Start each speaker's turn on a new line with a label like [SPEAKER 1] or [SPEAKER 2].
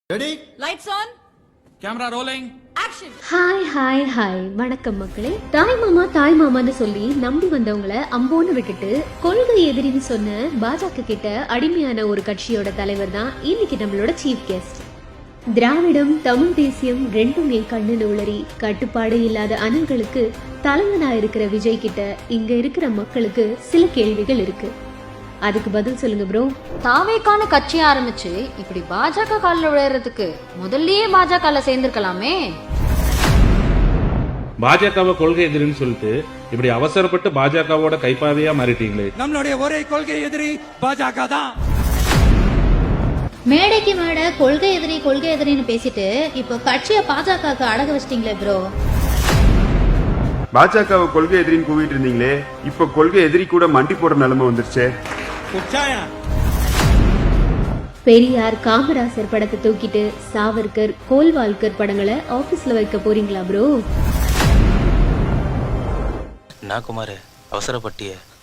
[SPEAKER 1] Ready
[SPEAKER 2] lights on
[SPEAKER 1] camera rolling
[SPEAKER 2] action.
[SPEAKER 3] Hi வணக்கம் மக்களே. தாய் மாமான்னு சொல்லி நம்பி வந்தவங்கள அம்போன்னு விட்டுட்டு கொள்கை எதிரின்னு சொன்ன பாஜக கிட்ட அடிமையான ஒரு கட்சியோட தலைவர் தான் இன்னைக்கு நம்மளோட சீஃப் கெஸ்ட். திராவிடம் தமிழ் தேசியம் ரெண்டுமே கண்ணு நூலரி கட்டுப்பாடு இல்லாத அனல்களுக்கு தலைவனா இருக்கிற விஜய் கிட்ட இங்க இருக்கிற மக்களுக்கு சில கேள்விகள் இருக்கு. அதுக்கு பதில் சொல்லுங்க ப்ரோ.
[SPEAKER 4] தாவேக்கான கட்சி ஆரம்பிச்சு இப்படி பாஜக காலில் விளையாடுறதுக்கு முதல்லயே பாஜக சேர்ந்திருக்கலாமே.
[SPEAKER 5] பாஜகவை கொள்கை எதிரின்னு சொல்லிட்டு இப்படி அவசரப்பட்டு பாஜகவோட கைப்பாவையா மாறிட்டீங்களே.
[SPEAKER 1] நம்மளுடைய ஒரே கொள்கை எதிரி பாஜக தான்.
[SPEAKER 6] மேடைக்கு மேடை கொள்கை எதிரின்னு பேசிட்டு இப்போ கட்சியை பாஜகவுக்கு அடக வச்சிட்டீங்களே ப்ரோ.
[SPEAKER 7] பாஜகவை கொள்கை எதிரின்னு கூவிட்டு இருந்தீங்களே, இப்ப கொள்கை எதிரி கூட மண்டி போடுற நிலைமை வந்துருச்சு.
[SPEAKER 3] பெரியார் காமராசர் படத்தை தூக்கிட்டு சாவர்கர் கோல்வால்கர் படங்களை ஆபீஸ்ல வைக்க போறீங்களா ப்ரோ?
[SPEAKER 8] நான் குமார் அவசரப்பட்டிய